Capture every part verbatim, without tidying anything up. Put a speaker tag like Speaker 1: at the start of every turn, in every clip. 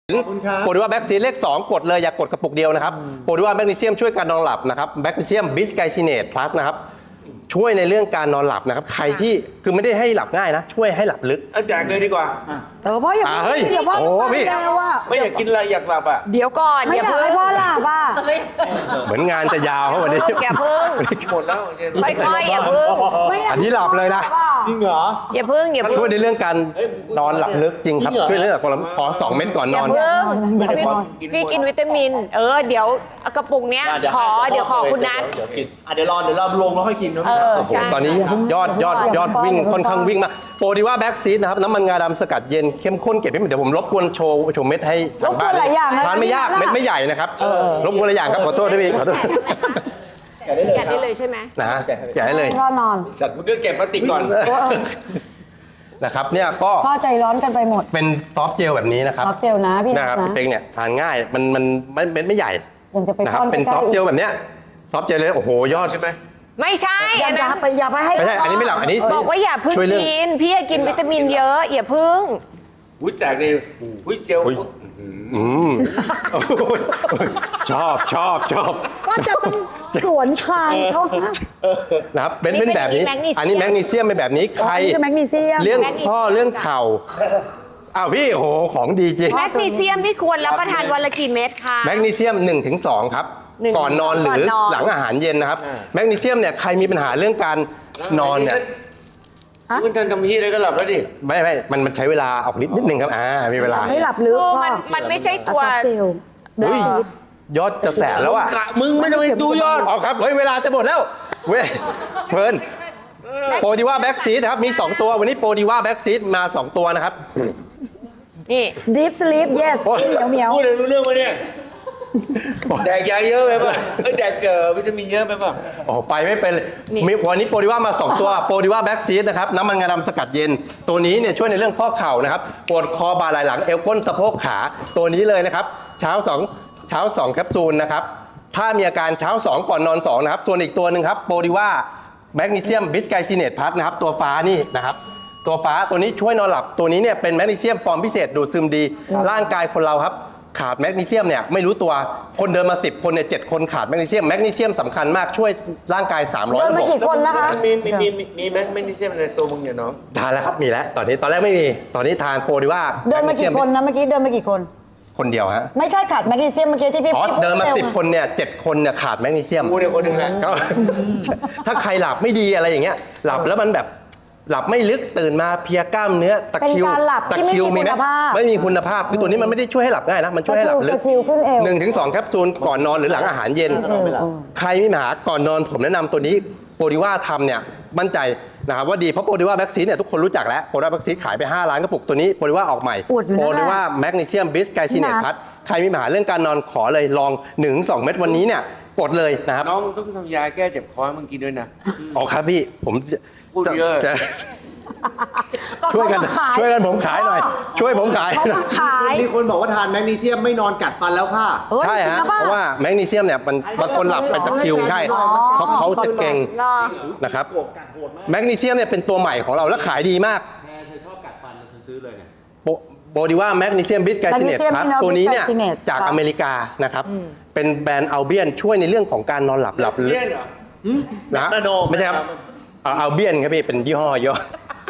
Speaker 1: โปรดิว่าแบ็กซีเลขสองกดเลยอย่ากดกระปุกเดียวนะครับโปรดิว่าแมกนีเซียมช่วยการนอนหลับนะครับแมกนีเซียมบิสไกซิเนตพลัสนะครับช่วยในเรื่องการนอนหลับนะครับใครที่คือไม่ได้ให้หลับง่ายนะช่วยให้หลับลึก
Speaker 2: แจกเลยดีกว่า
Speaker 3: เออพ่ออย่า
Speaker 1: อ่าเฮ้ย
Speaker 3: เดี๋ยวพ่อ
Speaker 1: โอ้
Speaker 3: ต้องไป
Speaker 1: พี่
Speaker 3: แล้วว่า
Speaker 2: ไม่อยากกินอะไรอยากหลับอ่ะ
Speaker 4: เดี๋ยวก่อน
Speaker 3: ไม่
Speaker 4: อย่า
Speaker 3: อยาก
Speaker 4: เพิ่ง
Speaker 3: ให้พ่อหลับอ่ะ
Speaker 1: เหมือนงานจะยาวเขาวันนี้
Speaker 4: อย่าเพิ่ง
Speaker 2: หมดแล้วเจน
Speaker 4: ค่อยๆอย่าเพิ่ง
Speaker 3: ไม่อยาก
Speaker 1: อันนี้หลับเลยนะ
Speaker 5: จริงเหรอ
Speaker 4: อย่าเพิ่งอย่าเพิ่ง
Speaker 1: ช่วยในเรื่องการนอนหลับลึกจริงครับ
Speaker 5: จริงเหรอ
Speaker 1: ช่วยในเรื่องของขอสองเม็ดก่อนน
Speaker 4: อย่า
Speaker 1: อน
Speaker 4: เพิ่งพี่พี่กินวิตามิน เออเดี๋ยวกระปุกเนี้ยขอเดี๋ยวขอคุณนัท
Speaker 5: เดี๋ยวกินอ่ะเดี๋ยวรอเดี๋ยวเราลงแล้วค่อยกินนะ
Speaker 4: เออ
Speaker 1: โอ้โห
Speaker 4: ใช่
Speaker 1: ตอนนี้ยอดยอดยอดวิ่งค่อนข้างวิ่งมากโปรดิว่าแบ็กซีดนะครับน้ำมันงาดำสกัดเย็นเข้มข้นเก็บให้หมดเดี๋ยวผมรบกวนโชว์โชว์เม็ดให้ทางบ้าน
Speaker 3: รบกวนหลายอย่างนะ
Speaker 1: ทานไม่ยากเม็ดไม่ใหญ่นะครับรบกวนหลายอย่างครับขอโทษด้วยพี่ขอโทษ
Speaker 4: แกะได้เลยใช่ไหม
Speaker 1: นะฮะแกะให้เลย
Speaker 3: พ่อนอน
Speaker 2: สัตว์มันก็เก็บพลาสติกก่อน
Speaker 1: นะครับเนี่ยก็
Speaker 3: พ่อใจร้อนกันไปหมด
Speaker 1: เป็นซอฟต์เจลแบบนี้นะครับ
Speaker 3: ซอฟต์เจลนะพี่นั
Speaker 1: นะ
Speaker 3: ท
Speaker 1: ครับ
Speaker 3: นะ
Speaker 1: พี่เป้งเนี่ยทานง่ายมันมันมันเม็ดไม่ใหญ่
Speaker 3: ยังจะไป
Speaker 1: นะครับ
Speaker 3: ป้อน
Speaker 1: เป็น
Speaker 3: ใกล้
Speaker 1: ซอฟต์
Speaker 3: ๆ
Speaker 1: เจลแบบเนี้ยซอฟต์เจลเลยโอ้โหยอด
Speaker 2: ใช่ไหม
Speaker 4: ไม่ใช่
Speaker 3: อย่า
Speaker 4: อัน
Speaker 3: อย่า
Speaker 4: นั้น
Speaker 3: ไปอย่าไปให้
Speaker 1: ไม่ใช่อันนี้ไม่หลับอันนี้
Speaker 4: บอกว่าอย่าเพิ่ง
Speaker 1: ช่วยเรื่อง
Speaker 4: กินพี่อยากกินวิตามินเยอะอย่าเพิ่ง
Speaker 2: อุ้ยแจกเลยอุ้ยเจล
Speaker 1: อืมโอ้ยชอบชอบชอบ
Speaker 3: ก็จะต้องสวนทางเขาฮะ
Speaker 1: นะครับเป็นเป็นแบบนี้ อันนี้แมกนีเซียมเป็นแบบนี้ใคร
Speaker 3: อ๋อนี่คือแมกนีเซียม
Speaker 1: เรื่องข้อเรื่องเข่าอ้าวพี่โอ้โหของดีจริง
Speaker 4: แมกนีเซียมนี่ควรรับประทานวันละกี่เม็ดคะ
Speaker 1: แมกนีเซียม หนึ่งถึงสอง ครับ
Speaker 4: หนึ่ง
Speaker 1: ก่อนนอนหรือ
Speaker 4: ก่อนนอน
Speaker 1: หลังอาหารเย็นนะครับแมกนีเซียมเนี่ยใครมีปัญหาเรื่องการนอนเนี่ย
Speaker 2: มันทันทำที่อะไรก็หลับแล้วดิ
Speaker 1: ไม่ไม่มันมันใช้เวลาออกนิดนิดนึงครับอ่ามีเวลา
Speaker 3: ให้หลับลึก
Speaker 4: โอ้
Speaker 3: พ่อ
Speaker 4: มันมันไม่ใช่ตัว
Speaker 3: ซอฟต์เจลเดี๋ยว
Speaker 1: เฮ้ย
Speaker 3: ซีด
Speaker 1: ยอดจะแสนแล้วอ่ะ
Speaker 2: กะมึงไม่ต้องไปดูยอด
Speaker 1: เอาครับเฮ้ยเวลาจะหมดแล้วเว้ยเพลินโปรดีว่าแบ็กซีดนะครับมีสองตัววันนี้โปรดีว่าแบ็กซีดมาสองตัวนะครับ
Speaker 4: นี่
Speaker 3: deep sleep yes
Speaker 1: โอ้ย
Speaker 3: เหนียวเหนียว
Speaker 2: พูดเลยรู้เรื่องไหมเนี่ยแดกยาเยอะไปป่ะเอ้ยแดกเอ่อวิตามินเยอะไปป่ะ
Speaker 1: โอ้โหไปไม่เป็นเลยมีวันนี้โปรดีว่ามาสองตัวโปรดีว่าแบ็กซีดนะครับน้ำมันงาดำสกัดเย็น ตัวนี้เนี่ยช่วยในเรื่องข้อเข่านะครับปวดคอบ่าไหล่หลังเอวก้นสะโพกขาตัวนี้เลยนะครับเช้าสองเช้าสองแคปซูลนะครับถ้ามีอาการเช้าสองก่อนนอนสองนะครับส่วนอีกตัวหนึ่งครับโปรดีว่าแมกนีเซียมบิสไกซิเนตพัทนะครับตัวฟ้านี่นะครับตัวฟ้าตัวนี้ช่วยนอนหลับตัวนี้เนี่ยเป็นแมกนีเซียมฟอร์มพิเศษดูดซึมดี ร่างกายคนเราครับขาดแมกนีเซียมเนี่ยไม่รู้ตัวคนเดินมาสิบคนเนี่ยเจ็ดคนขาดแมกนีเซียมแมกนีเซียมสำคัญมากช่วยร่างกายสามร้อย
Speaker 3: เดิน
Speaker 1: ระ
Speaker 3: มา
Speaker 1: บบ
Speaker 3: กี่คนนะคะ
Speaker 2: มีมีมีมีมีแมกนีเซียมในตัวมึงเนี่ยน้อง
Speaker 1: ทานแล้วครับมีแล้วตอนนี้ตอนแรกไม่มีตอนนี้ทานโปรดีว่า
Speaker 3: เดินมากี่คนนะเมื่อกี้เดินมากี่คน
Speaker 1: คนเดียวฮะ
Speaker 3: ไม่ใช่ขาดแมกนีเซียมเมื่อกี้ที่พี่
Speaker 1: อ๋อ
Speaker 3: พี่พู
Speaker 1: เดินมา
Speaker 3: ร็ว
Speaker 1: สิบคนเนี่ยเจ็ดคนเนี่ยขาดแมกนีเซียม
Speaker 2: กูเนี่ยคนหนึ่งแหละ
Speaker 1: ก็ ถ้าใครหลับไม่ดีอะไรอย่างเงี้ยหลับแล้วมันแบบหลับไม่ลึกตื่นมาเพลียกล้ามเนื้อตะ
Speaker 3: เป็น
Speaker 1: คริว
Speaker 3: การหลับ
Speaker 1: ตะ
Speaker 3: ที่
Speaker 1: ค
Speaker 3: ไม่
Speaker 1: ริว
Speaker 3: มี
Speaker 1: มีไหม
Speaker 3: คุณภาพ
Speaker 1: ไม่มีคุณภาพคือตัวนี้มันไม่ได้ช่วยให้หลับง่ายนะมันช่วยให้หลับลึก
Speaker 3: ตะคริวขึ้นเอว
Speaker 1: หนึ่งถึงสองแคปซูลก่อนนอนหรือหลังอาหารเย็น ใครมีปัญหาก่อนนอนผมแนะนำตัวนี้โปรดิว่าทำเนี่ยมั่นใจนะครับว่าดีเพราะโปรดิว่าแบ็กซีเนี่ยทุกคนรู้จักแล้วโปรดิว่าแบ็กซีขายไปห้าล้านกระปุกตัวนี้โปรดิว่าออกใหม่
Speaker 3: อวดอยู่นะ
Speaker 1: โปรดิว่าแมกนีเซียมบิสไกซิเนต
Speaker 3: พี่นัท
Speaker 1: พัทใครมีปัญหาเรื่องการนอนขอเลยลองหนึ่งสองเม็ดวันนี้เนี่ยกดเลยนะครับ
Speaker 2: น้องมึงต้องทำยาแก้เจ็บคอให้มึงกินด้วยนะ
Speaker 1: อ๋อครับพี่ผมจะ
Speaker 2: พูดเยอะ
Speaker 1: จะ
Speaker 3: ก็
Speaker 1: ช่วยกัน
Speaker 3: เขามาขาย
Speaker 1: ช่วยกันผมขายหน่อย ช่วยผมขาย
Speaker 3: เขา
Speaker 1: หน่อ
Speaker 3: มาย ขาย
Speaker 5: มีคนบอกว่าทานแมกนีเซียมไม่นอนกัดฟันแล้วค่ะ
Speaker 3: เฮ้ย
Speaker 1: ใช่ฮะ
Speaker 3: จงนป
Speaker 1: เพราะว่าแมกนีเซียมเนี่ยมันบางคนหลับเป็นตะคริวใช่เพราะเขาจะเก่ง
Speaker 4: รอ
Speaker 1: นะครับ
Speaker 5: โกรธกัดโหดมาก
Speaker 1: แมกนีเซียมเนี่ยเป็นตัวใหม่ของเราและขายดีมาก
Speaker 5: แม่เธอชอบกัดฟันเธอซื้อเลยเนี่ย
Speaker 1: โบโบดีว่าแมกนีเซียมบิสไกซิเนต
Speaker 3: Magnesium
Speaker 1: ครับ
Speaker 3: Mineral
Speaker 1: ตัวนี้เนี่ย
Speaker 3: Bisglycinate
Speaker 1: จาก
Speaker 3: ครับ
Speaker 1: อเมริกานะครับเป็นแบรนด์อัลเบียนช่วยในเรื่องของการนอนหลับหลับลึก
Speaker 2: เลี่ยนเหรอ
Speaker 1: นะฮะ
Speaker 5: นาโน
Speaker 1: ไม่ใช่ครับอัลเบียนครับพี่เป็นยี่ห้อย่อ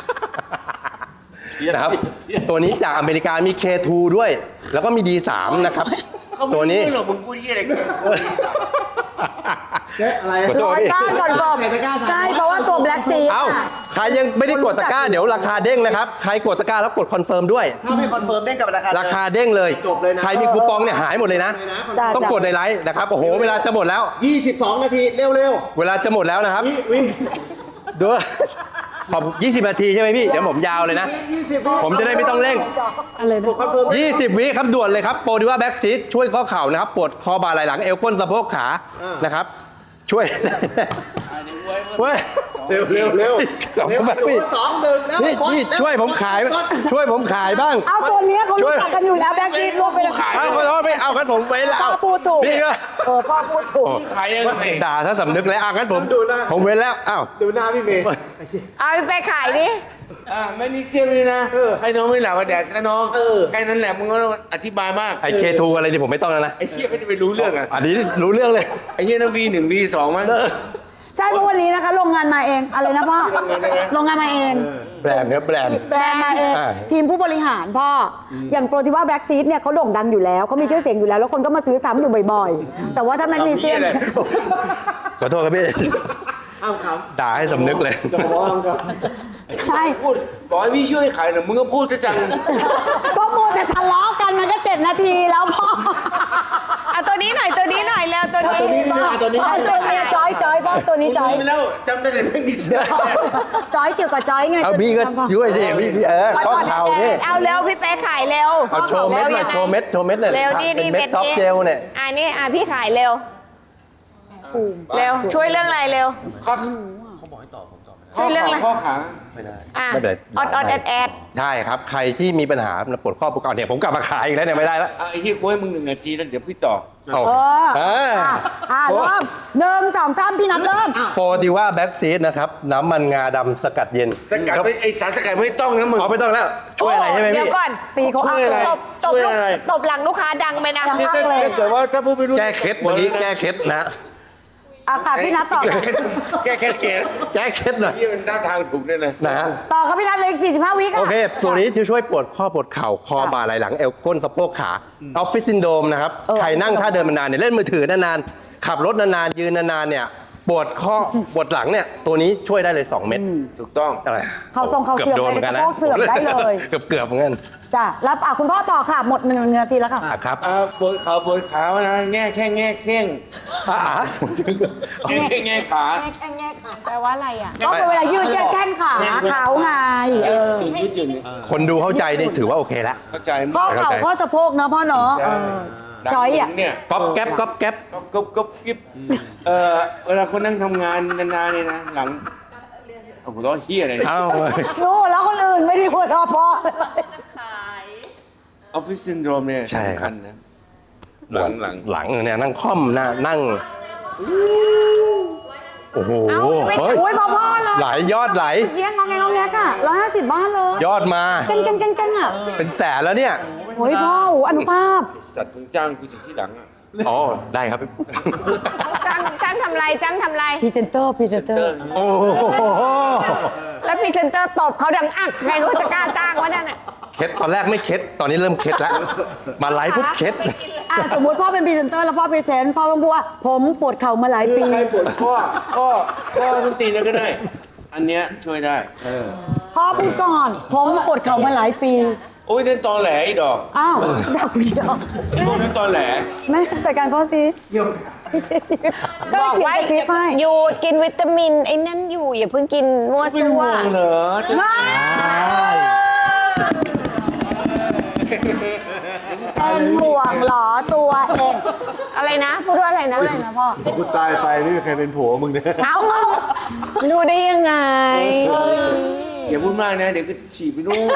Speaker 1: นะครับตัวนี้จากอเมริกามี เค ทู ด้วย แล้วก็มี ดี สาม นะครับ
Speaker 2: เขาไม่
Speaker 1: ตัวนี้
Speaker 2: รู้หรอกมึงพูดที่อะไรกัน
Speaker 5: เจ๊อะไร
Speaker 1: ขอโทษ
Speaker 3: ร้อยก้านก่อนฟอม
Speaker 5: ใครจะกล้าทาน
Speaker 3: ใช่เพราะว่าตัวแบล็กซี
Speaker 1: เอ้าใครยังไม่ได้กดตะกร้าเดี๋ยวราคาเด้งนะครับ ใครกดตะกร้าแล้วกดคอนเฟิร์มด้วย
Speaker 5: ถ้าไม่คอนเฟิร์มเด้งกับราคา
Speaker 1: ราคาเด้งเลย
Speaker 5: จบเลยนะ
Speaker 1: ใครมีคูปองเนี่ยหายหมดเลยนะ
Speaker 3: จ้ะ
Speaker 1: ต้องกดในไลฟ์นะครับ โอ้โห เวลาจะหมดแล้ว
Speaker 5: ยี่สิบสองนาทีเร็ว
Speaker 1: เวลาจะหมดแล้วนะครับ
Speaker 5: ๆวิวิ
Speaker 1: ดูขอบยี่สิบนาทีใช่ไหมพี่ เดี๋ยวผมยาวเลยนะ
Speaker 5: ยี่สิบวิ
Speaker 1: ผมจะได้ไม่ต้องเร่ง
Speaker 5: คอนเฟิร์ม
Speaker 1: ยี่สิบวิครับด่วนเลยครับโปรดิว่าแบ็กซีดช่วยข้อเข่านะครับปวดคอบ่าไหล่หลังเอวก้นสะโพกขานะครับ ช่วยเว้ย
Speaker 2: สอง
Speaker 5: เร็วเร็วเร็ว
Speaker 1: ขอบ
Speaker 5: เร็
Speaker 1: คุ
Speaker 5: ว
Speaker 1: ณมากพี่
Speaker 5: สองหนึ่งแล้ว
Speaker 1: นี่
Speaker 5: กด
Speaker 1: นี่
Speaker 5: เร็
Speaker 1: ช่วยผมขาย
Speaker 5: กด
Speaker 1: ช่วยผมขายบ้าง
Speaker 3: เอาตัวเนี้ยเขา
Speaker 1: ช่
Speaker 3: รู้
Speaker 1: วย
Speaker 3: จักกันอยู่แล้วแบล็กซีดรวมไปเลย
Speaker 1: เอาขอโทษไม่เอางั้นผมไปแล้ว
Speaker 3: พ่อพูดถูก
Speaker 1: พี่ก็
Speaker 3: เออพ่อพูดถูก
Speaker 2: ขายยังไง
Speaker 1: ด่าถ้าสำนึกแล้วอ่ะงั้นผมผมเว้นแล้วอ้าว
Speaker 5: ดูหน้าพี่เมย์
Speaker 4: เอาไปขายดิ
Speaker 2: อ่าแมกนีเซียมนี่นะใครน้องไม่หลับมาแดกซะน้องแค่นั้นแหละมึงก็ต้องอธิบายมาก
Speaker 1: ไอเคทูอะไรนี่ผมไม่ต้องแล้วนะ
Speaker 2: ไอ้เหี้ยก็จะไปรู้เรื่องอ่ะ
Speaker 1: อันนี้รู้เรื่องเลย
Speaker 2: ไอ้เหี้ยนั่นวีหนึ่งวีสองมั้ง
Speaker 3: ใช่เพราะวันนี้นะคะโรงงานมาเองอะไรนะพ่อ
Speaker 2: โรงงานอะไรนะ
Speaker 3: โรงงานมาเอง
Speaker 1: แบรนด์เนี่ยแบรนด์
Speaker 3: แบรนด์มาเอง
Speaker 1: อ่า
Speaker 3: ทีมผู้บริหารพ่อออย่างโปรติว่าแบล็กซีดเนี่ยเขาโด่งดังอยู่แล้วเขามีชื่อเสียงอยู่แล้วแล้วคนก็มาซื้อซ้ำอยู่บ่อยๆ แต่ว่าถ้าแมกนีเซียม
Speaker 2: ทำเหี้ยอะไร
Speaker 1: ขอโทษครับพี่
Speaker 5: อ้าวครับ
Speaker 1: ด่าให้สำนึกเลย
Speaker 5: จะมองครับ
Speaker 3: ใช่
Speaker 2: พูดบอกให้พี่ช่วยขายหน่อยมึงก็พูดซะจัง
Speaker 3: ก็โมวแต่ทะเลาะกันมันก็เจ็ดนาทีแล้วพ่อ
Speaker 4: เอาตัวนี้หน่อยตัวนี้หน่อยแล้วตัว
Speaker 5: เอา
Speaker 4: นี้
Speaker 5: ตัวนี้ดีกว่าตัวนี้
Speaker 3: เอาตัวนี้จอยจอยพ่อตัวนี้จอย
Speaker 2: มึงไปแล้วจำได้แต่แมกนีเซียม
Speaker 3: จอยเกี่ยวกับจอยไง
Speaker 1: เอาพี่ก็ช่วยสิพี่พี่เออข้อเข่านี่
Speaker 4: เอาเร็วพี่เป๊กขายเร็ว
Speaker 1: เอาโชว์เม็ดหน่อยโชว์เม็ดโชว์เม็ดหน่อย
Speaker 4: เร็วนี่
Speaker 1: เป็น
Speaker 4: นี่
Speaker 1: เม็
Speaker 4: เม็
Speaker 1: ด
Speaker 4: ด
Speaker 1: ท็อป
Speaker 4: นี้
Speaker 1: เจลเนี่ย
Speaker 4: อ่านี่อ่ะพี่ขายเร็วเร็วช่วยเรื่องอะไรเร็ว
Speaker 2: ข้อ
Speaker 4: ช่วยเรื่องอะไร
Speaker 2: ข้อขา
Speaker 4: อ่ะ
Speaker 1: ไม่เป็นไร
Speaker 4: ออดออดแอดแอด
Speaker 1: ใช่ครับ ใครที่มีปัญหาปวดข้อปวดเข่าเนี่ยผมกลับมาขายอีกแล้วเนี่ยไม่ได้แล้ว
Speaker 2: อ่ะไอ้เหี้ยกูให้มึงหนึ่งนาทีแล้วเดี๋ยวพี่ต่อ
Speaker 1: เอา
Speaker 3: เออ
Speaker 1: เออ
Speaker 3: อ่ะอ่ะเริ่มหนึ่งสองสามพี่นัทเริ่ม
Speaker 1: โปรดิว่าแบ็กซีดนะครับ น้ำมันงาดำสกัดเย็น
Speaker 2: สกัดไม่ไอสารสกัดไม่ต้องนะมึง
Speaker 1: เอาไม่ต้องแล้ว ช่วยอะไรใช่ไหม
Speaker 4: เดี๋ยว
Speaker 1: พี่
Speaker 4: ก่อน
Speaker 3: ตีเขาอัก
Speaker 2: ช่วยอะไร
Speaker 3: เลย
Speaker 4: ตบตบ
Speaker 2: ช่วย
Speaker 4: ลูก
Speaker 2: อะไร
Speaker 4: ตบหลังลูกค้าดังไปนะ
Speaker 3: ยัง
Speaker 2: ถ้า
Speaker 3: อักเลย
Speaker 2: ถ้าเกิดว่าถ้าพูดไม่รู้
Speaker 1: แก้เคล็ดวันนี้แก้เคล็ดนะ
Speaker 3: อ่ะค่ะพี่นัทต่อ
Speaker 2: แก้เคล็ดแก้เคล็ดเกศ
Speaker 1: แก้เคล็ดหน่อย
Speaker 2: ที่มันท่าทางถูกด้วยนะ
Speaker 1: นะฮะ
Speaker 3: ต่อครับพี่นัทเลยสี่สิบห้าวิค่ะ
Speaker 1: โอเค ตัวนี้จะช่วยปวดข้อปวดเข่า คอบ่าไหล่หลัง เอวก้นสะโพกขาออฟฟิศซินโดรมนะครับ
Speaker 3: เออ
Speaker 1: ใครนั่งท่าเดินมานานเนี่ยเล่นมือถือนานๆ ขับรถนานๆ ยืนนานๆ เนี่ย ปวดข้อ ปวดหลังเนี่ย ตัวนี้ช่วยได้เลย สอง เม็ด
Speaker 2: ถูกต้อง
Speaker 1: อะไร
Speaker 3: เขาทรงเขาเสื่อม
Speaker 1: กืบโดน
Speaker 3: ไป
Speaker 1: หมืนกัน
Speaker 3: สะโพกเสื่อมได้เลย
Speaker 1: เกือบเกือบๆเหมือนกัน
Speaker 3: จ้ะแล้วอ่ะคุณพ่อต่อค่ะ หมดหนึ่งนาทีแล้วค่ะ
Speaker 1: อ่ะครับ
Speaker 2: อ่าปวดขาปวดขานะแง่แค่แง่เข่ง
Speaker 1: อ่ะ
Speaker 2: ยืดแค่แง่ขา
Speaker 4: แปลว่าอะไรอ่ะ
Speaker 3: ก็เป็นเวลายืดแค่แข้งขาเขาไงเออ
Speaker 2: ยืดยืดยืด
Speaker 1: คนดูเข้าใจนี่ถือว่าโอเคแล้ว
Speaker 2: เข้าใจมั้ย
Speaker 3: ข้อเข่าข้อสะโพกเนาะพ่อเนาะเออจอยอ่ะ
Speaker 2: เนี่ย
Speaker 1: ก๊อบแก๊บก๊อบแก๊บ
Speaker 2: ก็ก็กิ๊บเอ่อเวลาคนนั่งทำงานนานๆเนี่ยนะหลังโอ้โหร้อเฮียอะไร
Speaker 1: เอ้า
Speaker 3: รู้แล้วคนอื่นไม่ได้หัวเราะพ่อ
Speaker 2: ออฟฟิศซินโดรมเนี่ย
Speaker 1: ใช่ค
Speaker 2: สำ
Speaker 1: รั
Speaker 2: คั
Speaker 1: บ
Speaker 2: ญนะหลังหลัง
Speaker 1: หลังเนี่ยนั่งค่อมหน้านั่ง โอ้โห
Speaker 4: เอ้าไม่
Speaker 1: เฮ้ย
Speaker 3: โอ้ยพ่อพ่อเลย
Speaker 1: ไหลยอดไหล
Speaker 3: เงี้ยงองแงงองแงกอ่ะร้อยห้าสิบบ้านเลย
Speaker 1: ยอดมา
Speaker 3: เก่งเก่งเก่งเก่งอ่ะ
Speaker 1: เป็นแสนแล้วเนี่ย
Speaker 3: โอ้ยพ่อโอ้อนุภาพ
Speaker 2: สัตว์มึงจ้างกูสิที่หลังอ่ะ
Speaker 1: อ๋อ ได้ครับ
Speaker 4: จ้างจ้างทำไรจ้างทำไร
Speaker 3: พรีเซนเตอร์พรีเซนเตอร์
Speaker 1: โอ้โห
Speaker 4: แล้วพรีเซนเตอร์ตบเขาดังอักใครเขาจะกล้าจ้างวะนั่นน่ะ
Speaker 1: เคล็ดตอนแรกไม่เคล็ดตอนนี้เริ่มเคล็ดแล้ว มาไลฟ์พุทเคล็ด
Speaker 3: อ่ะสมมุติพ่อเป็นพรีเซนเตอร์แล้วพ่อพรีเซนต์พ่อต้องพูดว่าผมปวดเข่ามาหลายปี
Speaker 2: ใครปวดข้อข้อข้อต้นตีนแล้วก็ได้ อันเนี้ยช่วยได้
Speaker 3: พ่อพูดก่อน ผมปวดเข่ามาหลายปี
Speaker 2: โอ้ยเล่นตอแหลไอ้ดอก
Speaker 3: อ้าวดาวอีดอก
Speaker 2: ไอ้พวกนั้นตอแหล
Speaker 3: ไม่จัดการพ่อสิก็
Speaker 4: บอก
Speaker 3: เขียน
Speaker 4: ไว้
Speaker 3: สคริปต์ให้
Speaker 4: หยุดกินวิตามินไอ้นั่นอยู่อย่าเพิ่งกินมั่ว
Speaker 2: เป็น
Speaker 4: ซั่
Speaker 2: ห่
Speaker 4: ว
Speaker 2: วงเหรอจะ
Speaker 3: ไม่เป็นห่วงเหรอตัวเอง
Speaker 4: อะไรนะพูดว่าอะไรนะ
Speaker 3: อะไรนะพ่อ
Speaker 5: กูตายไปไม่มีใครเป็นผัวมึงเนี่ย
Speaker 4: เอาดูได้ยังไง
Speaker 2: อย่าพูดมากนะ เดี๋ยวก็ฉี่ไปนู่น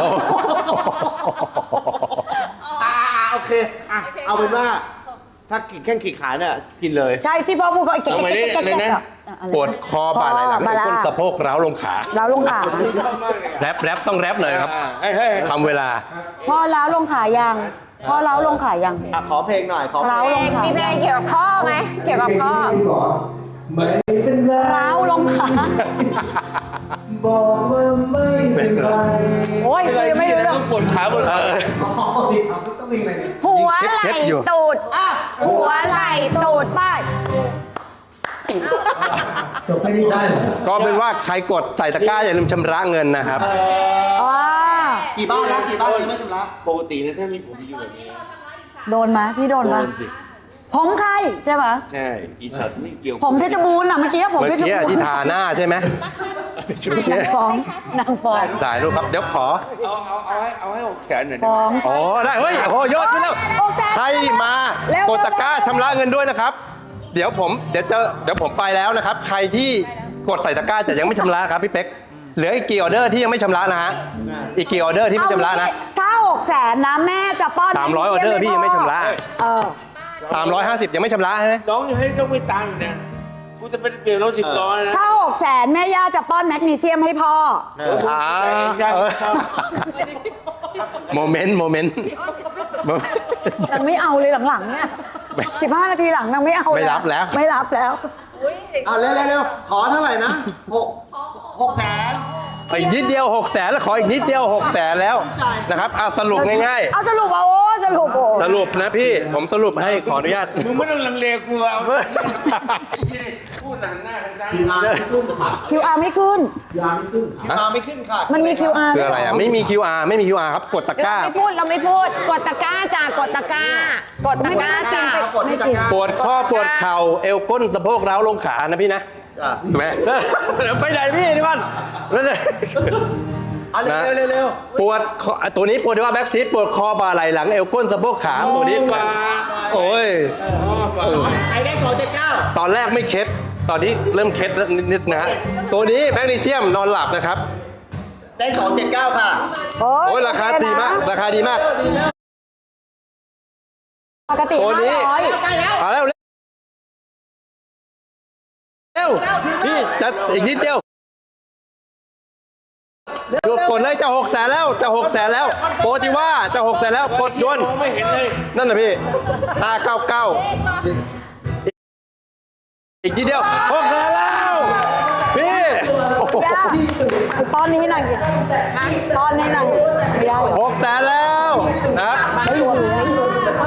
Speaker 5: อ่าโอเคอ่ะเอาเป็นว่า ถ้าขีดแข้งขีดขาเนี่ยกินเลย
Speaker 3: ใช่ที่พ่อพูดเขาเก่ง
Speaker 2: เอามาดิ
Speaker 3: เก่ง
Speaker 2: เลยนะ
Speaker 1: ปวดคอบ่าไหล่หลัง
Speaker 3: บ่าไหล่
Speaker 1: ก้นสะโพกร้าวลงขา
Speaker 3: แล้วลงขา
Speaker 1: แรปแรปต้องแรปหน่อยครับ
Speaker 2: อ่าเฮ้ยเฮ้ย
Speaker 1: ทำเวลา
Speaker 3: พ่อแล้วลงขายังพ่อแล้วลงขายัง
Speaker 5: อ่ะขอเพลงหน่อย ขอเพล
Speaker 3: ร้าวล
Speaker 5: ง
Speaker 3: งขา
Speaker 4: มีเพลงเกี่ยวกับข้อไหมเกี่ยวกับข้อ
Speaker 3: ร้าวลงขา
Speaker 5: บอกว่าไม่เป็นไร
Speaker 3: โอ้ยยังไม่รู้เรื่อง
Speaker 2: ปวดขาปวดขา
Speaker 3: หัว
Speaker 1: เค
Speaker 3: ไห
Speaker 1: ล็
Speaker 3: ล่
Speaker 1: ดๆอยู่
Speaker 3: ตูดอ่ะหัวไหล่ตูดป้าย
Speaker 5: จบแค่นี้ได้เหรอ
Speaker 1: ก็เป็นว่าใครกดใส่ตะกร้าอย่าลืมชำระเงินนะครับ
Speaker 3: อ่า
Speaker 5: กี่บ้านแล้วกี่บ้านยังไม่ชำระ
Speaker 2: ปกตินะถ้ามีผมอยู่แบบนี้
Speaker 3: โดนไหมพี่โดน
Speaker 2: โด
Speaker 3: ไหม
Speaker 2: นสิ
Speaker 3: ผมใครใช่ไหม
Speaker 2: ใช่ อีสัตว์ไม่เกี่ยว
Speaker 3: ผมเพชรบูรณ์อ่ะเมื่อกี้ผม
Speaker 1: เมื่อ
Speaker 3: เพชร
Speaker 1: กี้
Speaker 3: บูรณ์
Speaker 1: ที่ทาหน้าใช่ไหม
Speaker 3: นางฟ้องนางฟ้อง
Speaker 1: ได้รูปครับ เดี๋ยวขอ
Speaker 2: เอาเอาเอาให้เอาให้หกแสนหน่อยได้
Speaker 3: ฟ้
Speaker 2: ไห
Speaker 3: อ
Speaker 2: ม
Speaker 3: ง
Speaker 1: อ๋อ ได้ เฮ้ย โอ้โหยอดขึ้นแล้ว
Speaker 3: โอ้แสน
Speaker 1: ใครมา
Speaker 3: เร็ว
Speaker 1: กดตะกร้าชำระเงินด้วยนะครับ เดี๋ยวผม เดี๋ยวจะ เดี๋ยวผมไปแล้วนะครับ ใครที่กดใส่ตะกร้าแต่ยังไม่ชำระครับพี่เป๊กเหลืออีกกี่ออเดอร์ที่ยังไม่ชำระนะฮะอีกกี่ออเดอร์ที่ไม่ชำระนะ
Speaker 3: ถ้าหกแสนนะแม่จะป้อน
Speaker 1: สามร้อยออเดอร์พี่ยังไม่ชำระ
Speaker 3: เออ
Speaker 1: สามร้อยห้าสิบยังไม่ชำระใช่ไหม
Speaker 2: น้องยังให้ต้องไปตามอยู่เนี่ยกูจะเป็นเปลี่ยนรถสิบล้อนะ
Speaker 3: ถ้าหกแสนแม่ย่าจะป้อนแมกนีเซียมให้พ่อ
Speaker 1: อ่าเออโมเมนต์โมเมนต์
Speaker 3: นางไม่เอาเลยหลังๆเนี่ยสิบห้านาทีหลังนางไม่เอา
Speaker 1: ไม่รับแล้ว
Speaker 3: ไม่รับแล้ว
Speaker 5: เอาเร็วเร็วๆขอเท่าไหร่นะหกหกแสน
Speaker 1: อีกนิดเดียวหกแสนแล้วขออีกนิดเดียวหกแสนแล้วนะครับอ่ะสรุปง่าย
Speaker 3: เอาสรุปเอาโอ้สรุปโอ้
Speaker 1: ๆ สรุปนะพี่ผมสรุปให้ขออนุญาต
Speaker 2: มึงไม่ต้องลังเลกูเอาพูดหนังหน้าทางซ้าย
Speaker 3: คิวอาร์ไม่ขึ้น
Speaker 5: มาไม่ขึ้นค่ะ
Speaker 3: มันมี คิว อาร์
Speaker 1: คืออะไรอ่ะไม่มี คิว อาร์ ไม่มี คิว อาร์ ครับกดตะก
Speaker 4: เรา
Speaker 1: ร้า
Speaker 4: ไม่พูดเราไม่พูดกดตะกร้าจ้ากดตะกร้ากดตะกร้าจ้า
Speaker 5: กดที่ตะกร้า
Speaker 1: ปวดข้อปวดเข่าเอวก้นสะโพกร้าวลงขานะพี่นะ
Speaker 5: จ้ะ
Speaker 1: ถูกไหมเดี๋ยวไปไหนพี่นี่มันแล้วเนี่ย
Speaker 5: เอาเร็วเร็วเร็ว
Speaker 1: ปวดคอตัวนี้ปวดที่ว่าแบ็กซีดปวดคอบ่าไหล่หลังเอวก้นสะโพกขาตัวนี้โอ้ย
Speaker 5: ใครได้สองเจ็ดเก้า
Speaker 1: ตอนแรกไม่เคล็ดตอนนี้เริ่มเคล็ดแล้วนิดๆนะฮะตัวนี้แมกนีเซียมนอนหลับนะครับ
Speaker 5: ได้สองเจ็ดเก้าค่ะ
Speaker 3: โอ้
Speaker 1: โอ้ยราคาดีมากราคาดีมาก
Speaker 3: ปกติ
Speaker 1: ตัวนี้
Speaker 3: ห้าร้อย
Speaker 1: มาแล้วเร็วพี่จะอีกนิดเดียวหยุดกดเลยจะหกแสนแล้วจะหกแสนแล้วโปรติว่าจะหกแสนแล้วกดยนต์
Speaker 2: มองไม่เห็นเลย
Speaker 1: นั่นนะพี่ห้าเก้าเก้าอีกนิดเดียวหกแสนแล้วพี่โอ้โห
Speaker 3: ย่าป้อนนี้ให้หน่อยดิป้อนให้หน่อยไม่ได้
Speaker 1: หกแสนแล้วนะครับ
Speaker 3: ไม่อยู่ไม่อยู่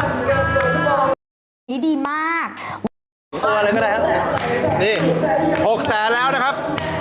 Speaker 6: นี่ดีมาก
Speaker 1: ตัวอะไรก็ได้ครับนี่หกแสนแล้วนะครับ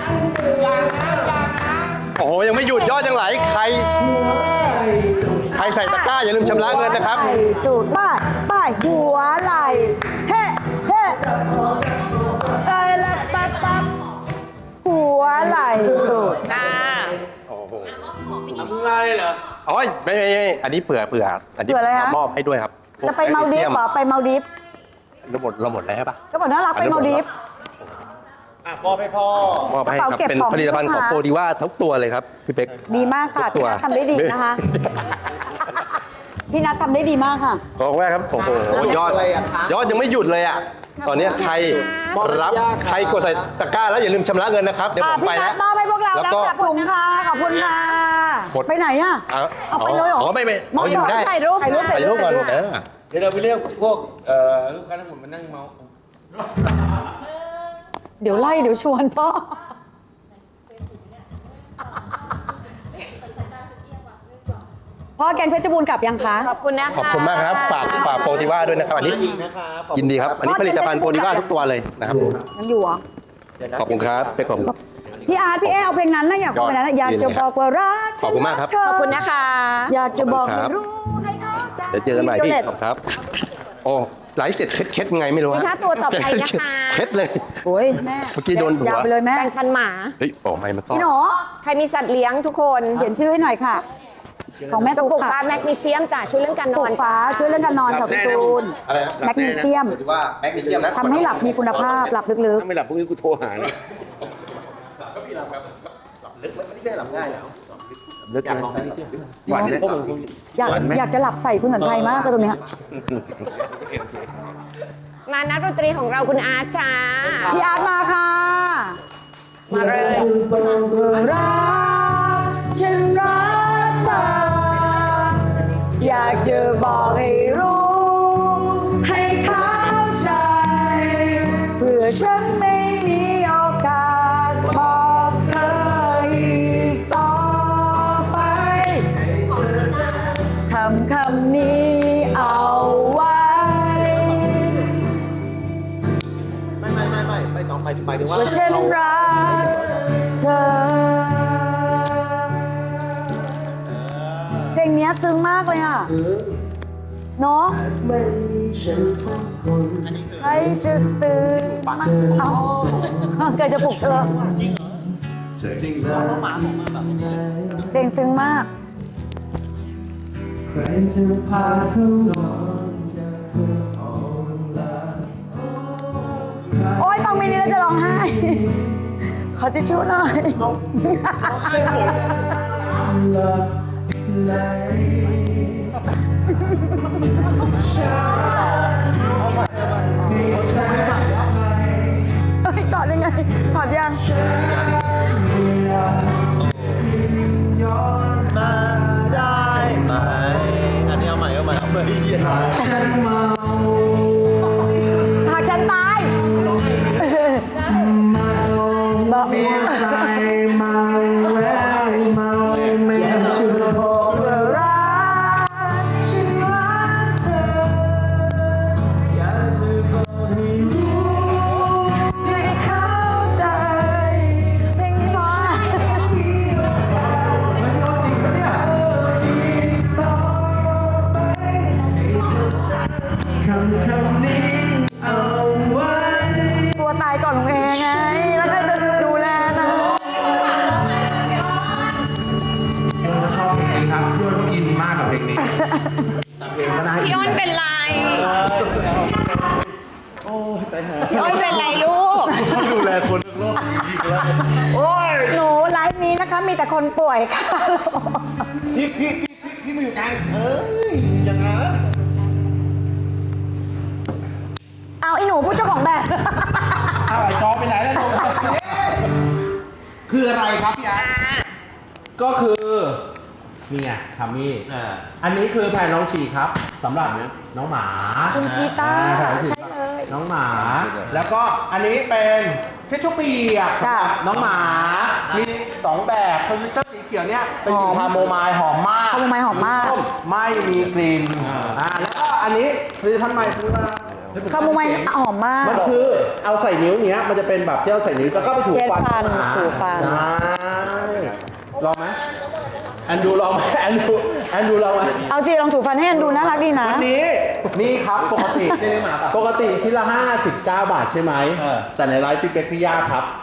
Speaker 1: โอ้โหยังไม่หยุดยอดยังไหลใครใครใส่ตะกร้าอย่าลืมชำระเงินนะครับ
Speaker 3: ไหล่ตูดป้ายป้ายหัวไหล่เฮ้เฮ้เอ้ยละปั๊บปั๊บหัวไหล่ตูด
Speaker 4: ค่ะ
Speaker 2: ทำงานเลยเหรอ
Speaker 1: อ๋อไม่ไม่ไม่อันนี้เผื่อเผื่ออันนี้
Speaker 3: เผื่ออะไรฮะ
Speaker 1: มอบให้ด้วยครับพวก
Speaker 3: จะไปมาลดีฟเหรอไปมาลดีฟ
Speaker 1: เราหมดเราหมดแล้วใช่ปะ
Speaker 3: ก็บอกน่ารักไปมาลดีฟ
Speaker 5: อ่ะมอบให้พ่อ
Speaker 1: มอบให้ครับ
Speaker 3: กระเป๋าเก็บ
Speaker 1: เป็น
Speaker 3: ของ
Speaker 1: ผลิตภัณฑ์ของ
Speaker 3: ลูกค้า
Speaker 1: โปรดีว่าทุกตัวเลยครับพี่เป๊ก
Speaker 3: ดีมากค่ะ
Speaker 1: ทุก
Speaker 3: พี่
Speaker 1: ตัว
Speaker 3: นัททำได้ดีนะคะ พี่นัททำได้ดีมากค่ะ
Speaker 1: ขอบคุณมากครับโอ้โหยอด
Speaker 5: อะไรอะคะ
Speaker 1: ยอดยังไม่หยุดเลยอ่ะตอนนี้ใครรับใครกดใส่ตะกร้าแล้วอย่าลืมชำระเงินนะครับเดี๋ยว
Speaker 3: อ่ะ
Speaker 1: ผมไป
Speaker 3: พี่นั
Speaker 1: แล้
Speaker 3: ท
Speaker 1: ว
Speaker 3: มอบให้พวกเรา
Speaker 1: แล้ว
Speaker 3: แล้ว
Speaker 1: ก็
Speaker 3: กับถุงค่ะขอบคุณค่ะ
Speaker 1: หมด
Speaker 3: ไปไหนอ่ะ
Speaker 1: เอา
Speaker 3: เอาไปเลยเหรอ
Speaker 1: อ๋อไม่ไม่
Speaker 3: มอบ
Speaker 1: อ๋ออยู่ได้
Speaker 3: ถ่ายรูป
Speaker 4: ถ่ายรูป
Speaker 1: ถ่ายรูปก่อนเออ
Speaker 2: เดี๋ยวเราไปเรียกพวกเอ่อลูกค้าทั้งหมดมานั่งเมา
Speaker 3: เดี๋ยวไล่เดี๋ยวชวนพ่อ พ่อแกงเพชรบูรณ์กลับยังคะ
Speaker 4: ขอบคุณนะคะ
Speaker 1: ขอบคุณมากครับฝากฝากโปรดีว่าด้วยนะครับอันนี้
Speaker 5: อีกนะครับ
Speaker 1: ยินดีครับ อันนี้ผลิตภัณฑ์โปรดีว่าทุกตัวเลยนะครับ
Speaker 3: ยังอยู่เหรอ
Speaker 1: ขอบคุณครับเป๊กขอบคุณ
Speaker 3: พี่อาร์ตพี่เอเอาเพลงนั้นนะอยากฟังเพลงนั้นนะอยากจะบอกว่ารัก
Speaker 1: ขอบคุณมากครับ
Speaker 3: ฉัน
Speaker 4: ขอบคุณนะคะ
Speaker 3: อยากจะบอก
Speaker 1: ขอบคุณครับ
Speaker 3: ให้รู้ให้เข้าใจ
Speaker 1: เดี๋ยวเจอกันใหม่พี่
Speaker 3: โดเลต
Speaker 1: ขอบคุณครับ โอ้ไลฟ์เสร็จเคล็ดๆไงไม่รู้
Speaker 4: สินค้าตัวต่อไปนะคะ
Speaker 1: เคล็ดเลย
Speaker 3: โอ้ยแม่
Speaker 1: เมื่อกี้โดนหัว
Speaker 3: ยาวไปเลยแม่
Speaker 4: แปรงฟันหมา
Speaker 1: เฮ้ยโอ้ไม่มันก็
Speaker 3: พี่หนู
Speaker 4: ใครมีสัตว์เลี้ยงทุกคน
Speaker 3: เขียนชื่อให้หน่อยค่ะ ของแม่
Speaker 4: กระ
Speaker 3: ตุ๊ก
Speaker 4: ปุกฟ้า
Speaker 3: ค่ะ
Speaker 4: แมกนีเซียมจ้ะช่วยเรื่องการน
Speaker 3: ปลู
Speaker 4: อน
Speaker 3: กฟ้าช่วยเรื่องการนอนค่ะพี่ตูน
Speaker 1: อะไรนะ
Speaker 3: แมกนีเซียม
Speaker 1: โปรดีว่าแมกนีเซียมนะ
Speaker 3: ทำให้หลับมีคุณภาพหลับลึก
Speaker 2: ถ้าไม่หลับพรุ่งนี้กูโทรหาเลย
Speaker 1: ลึกเลยหวานเลย
Speaker 3: ๆอยากอยากจะหลับใส่คุณสัญชัยมากเลยตรงเนี้ย
Speaker 4: มานักดนตรีของเราคุณอาร์ตจ้า
Speaker 3: พี่อาร์ตมาค่ะ
Speaker 4: มาเลย
Speaker 3: รักฉันรักเธออยากจะบอกให้รู้ ให้เข้าใจเพื่อฉันไม่มีโอกาสบอกเธออีกต่อไปคำคำนี้เอาไว้
Speaker 5: ไม่ไม่ไม่ไม่ไม่น้องไปถึงไปถึงว่า
Speaker 3: ว่าฉันรักเธอ เพลงเนี้ยซึ้งมากเลยอ่ะ เนาะใครจะตื่นมาเอาใครจะปลุกเธอเพลงซึ้งมาก โอ๊ยฟังเพลงนี้แล้วจะร้องไห้ขอทิชชู่หน่อย เอ้ยถอดยังไงถอดยัง
Speaker 5: มาได้ไหมอันนี้เอาใหม่เอาใหม่เอาใหม่เย็น
Speaker 3: หากฉันตายบอกเมื่อรักฉันรักเธออยากจะบอกให้รู้ให้เข้าใจเพลงนี้เพราะ ตัวตายก่อนของเองไง แล้วใครจะดูแลนะ
Speaker 6: ชอบเพลงนี้ครับช่วยเขาอินมากกับเพลงนี้เพลงก็น่าอิน
Speaker 4: พี่อ้นเป็นไร
Speaker 5: โอ้ยตายหา
Speaker 4: พี่อ้นเป็นไรลูก
Speaker 5: ดูแลคนทั้งโลกจริงๆแล้วโอ้ย
Speaker 3: หนูไลฟ์นี้นะคะ มีแต่คนป่วยค่ะ
Speaker 5: พี่พี่พี่พี่พี่มาอยู่กลางเอ้ยอย่างนั้น
Speaker 3: เอาไอ้หนูผู้เจ้าของแบรนด์
Speaker 6: อ้าวไอ้จอไปไหนแล้วลง
Speaker 5: คืออะไรครับพี่อาร์ต
Speaker 6: ก็คือนี่ไงทามี่
Speaker 5: อ่า
Speaker 6: อันนี้คือแผ่นรองฉีกครับสำหรับน้องหมา
Speaker 3: คุณกีตาร์
Speaker 6: อ่แผ่นรองฉีก
Speaker 3: ใช่เลย
Speaker 6: น้องหมา แล้วก็อันนี้เป็นเช็ดชู่เปียก
Speaker 3: จ้ะ
Speaker 6: สำหรับน้องหมา มีสองแบบคือเจ้าสีเขียวเนี่ยเป็นกลิ่น
Speaker 3: หอม
Speaker 6: คาโมไมล์หอมมาก
Speaker 3: คาโมไมล์หอมมาก
Speaker 6: ส้ไม่มีกลิ่นอ่าแล้วก็อันนี้ผลิตภัณฑ์ใหม่คือว่า
Speaker 3: คาโมไมล์หอมมาก
Speaker 6: มันคือเอาใส่นิ้วเนี้ยมันจะเป็นแบบที่เอาใส่นิ้วแล้วก็ไปถู
Speaker 3: เช็ด
Speaker 6: ฟัน
Speaker 3: ฟัน
Speaker 6: อ่า
Speaker 3: ถูฟัน
Speaker 6: ได้ลองไหมแอนดูลองไหมแอนดูแอนดูลองไหม
Speaker 3: เอาสิลองถูฟันให้อันดูน่ารักดีนะ
Speaker 6: อันนี้นี่ครับปกติปกติชิ้นละห้าสิบเก้าบาทใช่ไหมแต่ในไลฟ์พี่เป็กพี่ย่าครับ